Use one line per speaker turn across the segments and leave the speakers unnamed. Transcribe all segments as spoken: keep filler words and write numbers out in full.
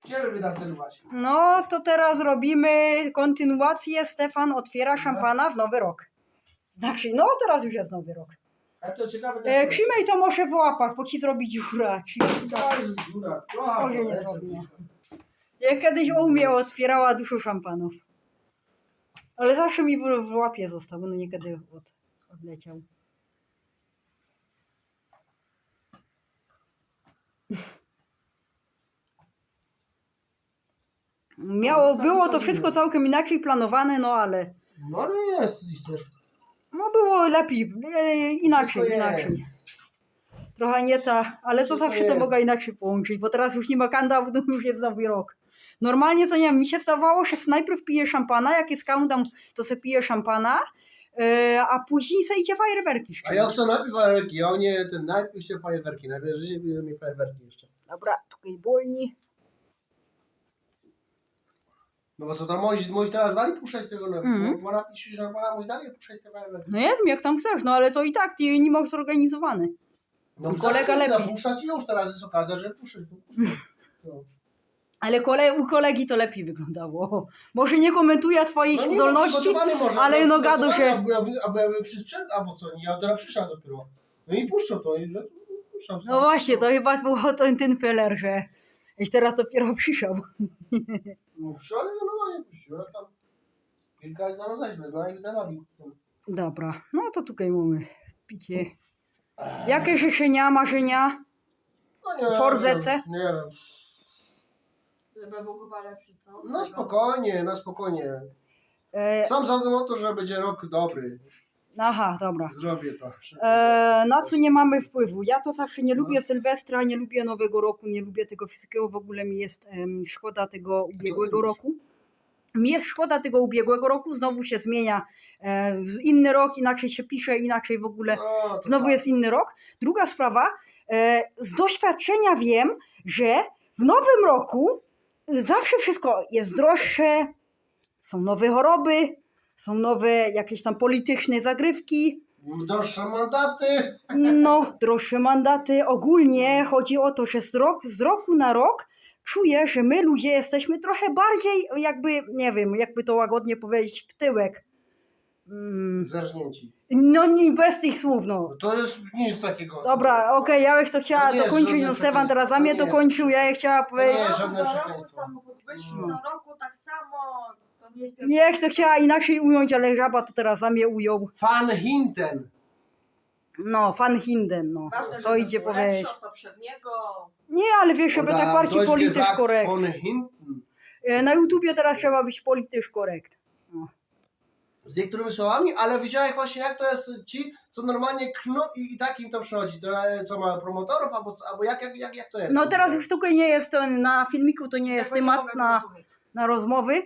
Gdzie wy tam celować?
No to teraz robimy kontynuację. Stefan otwiera szampana w nowy rok. Znaczy, no teraz już jest nowy rok.
A to ciekawe...
E, Krzymej to może w łapach, bo ci zrobi dziura.
Daj, dziura.
Może nie zrobię. Ja kiedyś u mnie otwierała dużo szampanów. Ale zawsze mi w, w łapie został, no niekiedy od, odleciał. Miało, było to wszystko całkiem inaczej planowane, no ale
No ale jest, jeśli chcesz.
no było lepiej, e, inaczej,
Wszystko
inaczej.
jest.
Trochę nie ta, ale to
Wszystko
zawsze to
jest.
mogę inaczej połączyć, bo teraz już nie ma countdown, już jest nowy rok. Normalnie to nie wiem, mi się zdawało, że najpierw piję szampana, jak jest countdown, to se piję szampana, e, a później se idzie fajerwerki.
A ja chcę najpierw fajerwerki, a nie ten najpierw się fajerwerki. Najpierw życie były mi fajerwerki jeszcze.
Dobra, tutaj bolni.
No bo co tam, możesz, możesz teraz dalej puszczać tego, no,
Mhm.
bo napisz, że możesz dalej puszczać te fajerwerki.
No nie wiem, jak tam chcesz, no ale to i tak ty nie masz zorganizowany.
No
Kolega
tak,
lepiej.
puszczać i już teraz jest okazja, że puszczać. to puszczać. No.
Ale kole, u kolegi to lepiej wyglądało. Może nie komentuje twoich
No nie,
zdolności,
no, przygotowany może,
ale no gadu
przygotowany,
się...
Albo ja, albo ja bym przy sprzęt, albo co, nie, ja teraz przyszedł dopiero. No i puszczą to, i że puszczam.
No właśnie, to chyba było ten, ten feller, że już teraz dopiero przyszedł.
No puszczą, ale no normalnie puściłem tam. Kilka jest zaraz weźmie, zna i wydarowi.
Dobra, no to tutaj mamy picie. Jakie życzenia, marzenia?
No nie
Forzece?
wiem, nie wiem.
Żeby był chyba lepszy, co?
No spokojnie, no spokojnie.
E,
Sam zadum o to, że będzie rok dobry.
aha, dobra.
Zrobię to.
E, na co nie mamy wpływu? Ja to zawsze nie
No.
lubię Sylwestra, nie lubię Nowego Roku, nie lubię tego wszystkiego. W ogóle mi jest em, szkoda tego ubiegłego
lubisz?
roku. Mi jest szkoda tego ubiegłego roku, znowu się zmienia e, w inny rok, inaczej się pisze, inaczej w ogóle
No, to
znowu
tak.
jest inny rok. Druga sprawa, e, z doświadczenia wiem, że w nowym roku zawsze wszystko jest droższe, są nowe choroby, są nowe jakieś tam polityczne zagrywki,
Droższe mandaty.
no droższe mandaty. Ogólnie chodzi o to, że z, rok, z roku na rok czuję, że my ludzie jesteśmy trochę bardziej jakby, nie wiem, jakby to łagodnie powiedzieć, w tyłek. Mm,
Zerżnięci.
no nie, bez tych słów, no.
No to jest nic takiego.
Dobra, okej, ja bym to chciała
To nie jest
dokończyć,
żadne
no Stefan teraz za
przekleństwo,
mnie
to nie
dokończył, ja je chciała
nie
powiedzieć.
jest
Co
żadne
do roku
przekleństwo.
samochód wyszli,
No.
co roku tak samo, to nie jest
Nie, jak to chciała inaczej ująć, ale żaba to teraz za mnie ujął.
Van Hinten.
No, Van Hinden, no.
Ważne,
To
żeby
idzie
był
powiedzieć.
lepszy od poprzedniego.
Nie, ale wiesz, żeby
Oder
tak bardziej
Deutsch
politycznie
gesagt
korekt.
Von Hinten.
E, Na YouTubie teraz trzeba być politycznie korekt. No.
Z niektórymi słowami, ale widziałeś właśnie jak to jest ci, co normalnie kno i, i tak im to przychodzi. To e, co ma promotorów, albo, co- albo jak, jak, jak, jak to jest?
No teraz już tutaj nie jest to, na filmiku to nie jest
Tego nie
temat
mogę
na,
zrozumieć.
na rozmowy,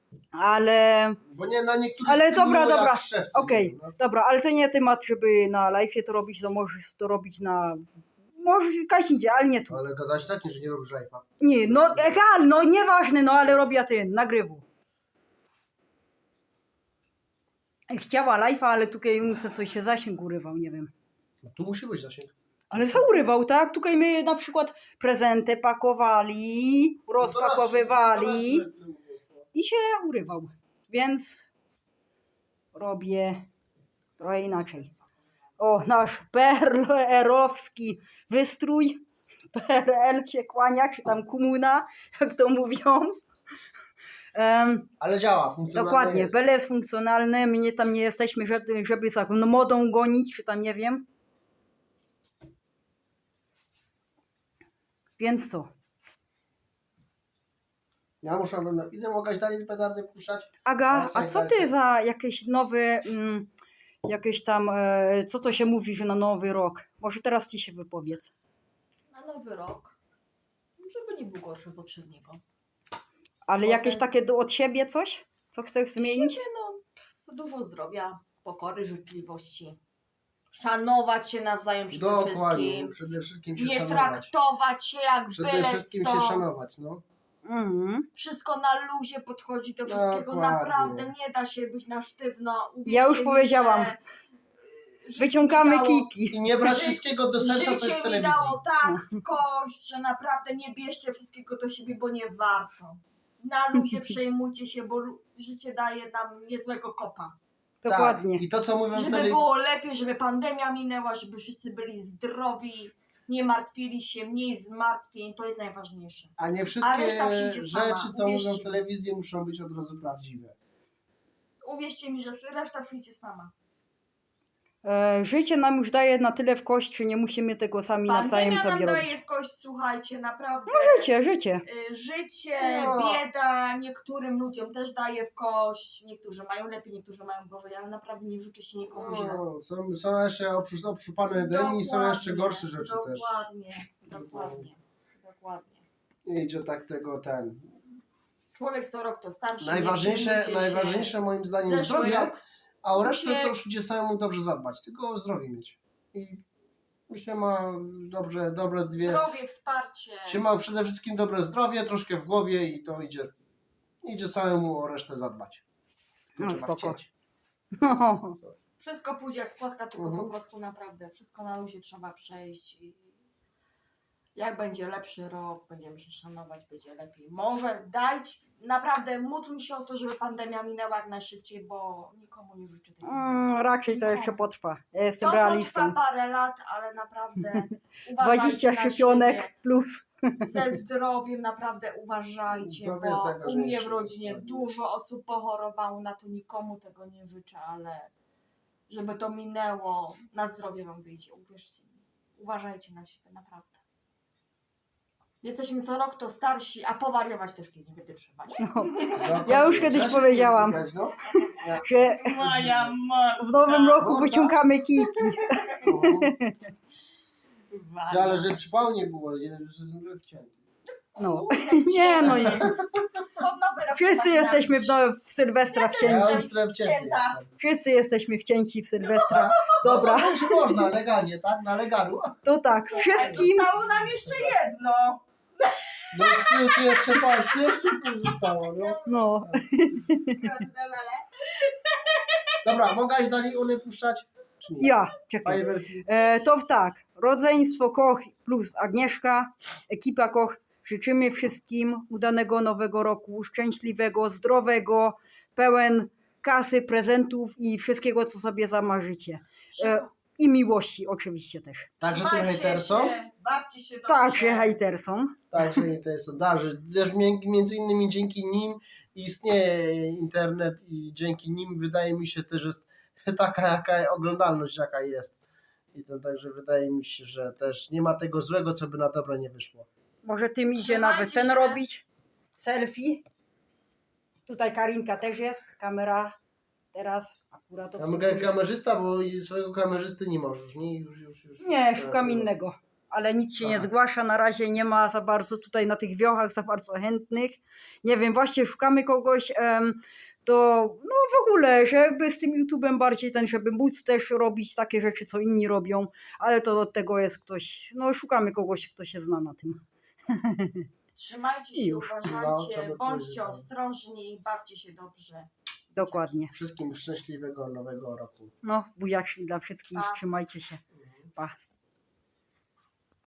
ale
Bo nie na niektórych
Ale
filmach
dobra,
jak
dobra,
szewcy,
okej,
no.
dobra, ale to nie temat, żeby na live'ie to robić, to możesz to robić na... Możesz kaśnicie, ale nie tu.
Ale gadać tak, że nie robisz live'a.
Nie, no egal, no nieważne, no ale robię ten, nagrywu. Chciała live'a, ale tutaj muszę coś się zasięg urywał, nie wiem.
No, tu musi być zasięg.
Ale co urywał, tak? Tutaj my na przykład prezenty pakowali, rozpakowywali
No to raz-
i się urywał. Więc robię trochę inaczej. O, nasz P R L-owski wystrój. P R L się kłania, czy tam komuna, jak to mówią. Um,
Ale działa, funkcjonalnie
dokładnie,
jest.
Bele jest funkcjonalne, my nie, tam nie jesteśmy, żeby, żeby za no, modą gonić, czy tam nie wiem. Więc co?
Ja muszę, no, idę mogę dalej petardy puszczać.
Aga,
Ja
a co ty za jakieś nowe, mm, jakieś tam, e, co to się mówi, że na nowy rok? Może teraz ci się wypowiedz.
Na nowy rok, żeby nie był gorszy od poprzedniego.
Ale
Potem-
jakieś takie do, od siebie coś? Co chcesz zmienić?
Siebie, no, dużo zdrowia, pokory, życzliwości. Szanować się nawzajem przede
Dokładnie,
wszystkim.
przede wszystkim się
Nie
szanować.
traktować się jak
Przede
byle
wszystkim
co.
się szanować, no.
Mhm.
Wszystko na luzie podchodzi do wszystkiego.
Dokładnie.
Naprawdę nie da się być na sztywno. Uwierzcie
Ja już
mi,
powiedziałam.
że, życie
Wyciągamy
mi dało-
kiki.
I nie brać
Życie-
wszystkiego do serca, co jest w
Życie mi
telewizji.
dało tak w kość, że naprawdę nie bierzcie wszystkiego do siebie, bo nie warto. Na luzie przejmujcie się, bo lu- życie daje nam niezłego kopa.
Dokładnie.
Tak. I to, co mówią w
Żeby
telewizji.
było lepiej, żeby pandemia minęła, żeby wszyscy byli zdrowi, nie martwili się, mniej zmartwień, to jest najważniejsze.
A nie
A
wszystkie
reszta przyjdzie sama,
rzeczy, co mówią
uwierzcie
w
mi.
telewizji, muszą być od razu prawdziwe.
Uwierzcie mi, że reszta przyjdzie sama.
E, życie nam już daje na tyle w kość, że nie musimy tego sami nawzajem
Pandemia nam
sobie
daje
robić.
w kość, słuchajcie, naprawdę.
Życie, życie.
Y, Życie,
No.
bieda niektórym ludziom też daje w kość. Niektórzy mają lepiej, niektórzy mają gorzej, ale naprawdę nie życzę się nikomu źle.
No, są, są jeszcze oprócz, oprócz pana Edeni, są jeszcze
Dokładnie,
gorsze rzeczy też.
Dokładnie, dokładnie, dokładnie.
Idzie tak tego ten.
Człowiek co rok to starszy. nie
Najważniejsze,
przejmujcie się.
najważniejsze moim zdaniem
Zeszły
zdrowie,
rok
a o resztę
Uciek-
to już idzie samemu dobrze zadbać, tylko o zdrowie mieć. I się ma dobrze, dobre dwie.
zdrowie, wsparcie.
Się ma przede wszystkim dobre zdrowie, troszkę w głowie i to idzie, idzie samemu o resztę zadbać.
No,
Trzeba
spoko.
chcieć.
Wszystko pójdzie jak składka, tylko
Mhm.
po prostu naprawdę wszystko na luzie trzeba przejść i jak będzie lepszy rok, będziemy się szanować, będzie lepiej. Może dać, naprawdę módlmy się o to, żeby pandemia minęła jak najszybciej, bo nikomu nie życzę tego.
Mm, raczej to
Nikomu.
jeszcze potrwa. Ja jestem
To
realistą.
potrwa parę lat, ale naprawdę uważajcie
dwadzieścia
na
szczepionek
siebie.
plus.
Ze zdrowiem naprawdę uważajcie,
Zdrowie jest
bo u
najważniejsze.
mnie w rodzinie dużo osób pochorowało, na to nikomu tego nie życzę, ale żeby to minęło, na zdrowie wam wyjdzie, uwierzcie mi. Uważajcie na siebie, naprawdę. Jesteśmy co rok to starsi, a powariować też kiedy trzeba, nie?
No,
No,
Ja już kiedyś
trzeba się
powiedziałam.
wypikać, no.
że
Moja matka.
w nowym roku
Morda.
wyciągamy kiki.
Ty, ale że przypału nie było, że że wcięty.
No. Nie no, nie.
Pod nowy rok
Wszyscy
trzeba
jesteśmy w,
nabić.
no, w Sylwestra
Ja
wcięci.
już trochę wcięty
Wcięta.
jestem.
Wszyscy jesteśmy wcięci w Sylwestra. Dobra,
No, już można, legalnie, tak? Na legalu.
to tak. Wszystkim
Zostało nam jeszcze jedno.
No tu, tu jeszcze patrz, tu jeszcze pół zostało, no.
no.
Dobra, mogłaś dalej one puszczać? Czy nie?
Ja, czekaj.
Fajerwerki.
E, to tak, rodzeństwo Koch plus Agnieszka, ekipa Koch, życzymy wszystkim udanego nowego roku, szczęśliwego, zdrowego, pełen kasy, prezentów i wszystkiego, co sobie zamarzycie. E, I miłości oczywiście też.
Także ty
Bawcie
hejtersom.
się, Bawcie się dobrze.
Także hejtersom.
Także hejtersom. Także też mię- między innymi dzięki nim istnieje internet i dzięki nim wydaje mi się też jest taka jaka oglądalność jaka jest. I to także wydaje mi się, że też nie ma tego złego, co by na dobre nie wyszło.
Może tym idzie
Trzymajcie
nawet ten
się.
robić. Selfie. Tutaj Karinka też jest, kamera teraz akurat
Ja
obsługuje.
mogę kamerzysta, bo swojego kamerzysty nie możesz, nie? Już, już, już.
Nie, szukam innego. Ale nikt się nie
Aha.
zgłasza, na razie nie ma za bardzo tutaj na tych wiochach za bardzo chętnych. Nie wiem, właśnie szukamy kogoś, em, to no w ogóle, żeby z tym YouTube'em bardziej ten, żeby móc też robić takie rzeczy, co inni robią, ale to od tego jest ktoś, no szukamy kogoś, kto się zna na tym.
Trzymajcie
I
się,
już.
No,
uważajcie,
trzeba
bądźcie
powiedzieć, tak.
ostrożni, bawcie się dobrze.
Dokładnie.
Wszystkim szczęśliwego nowego roku.
No, buziak dla wszystkich,
Pa.
trzymajcie się. Pa.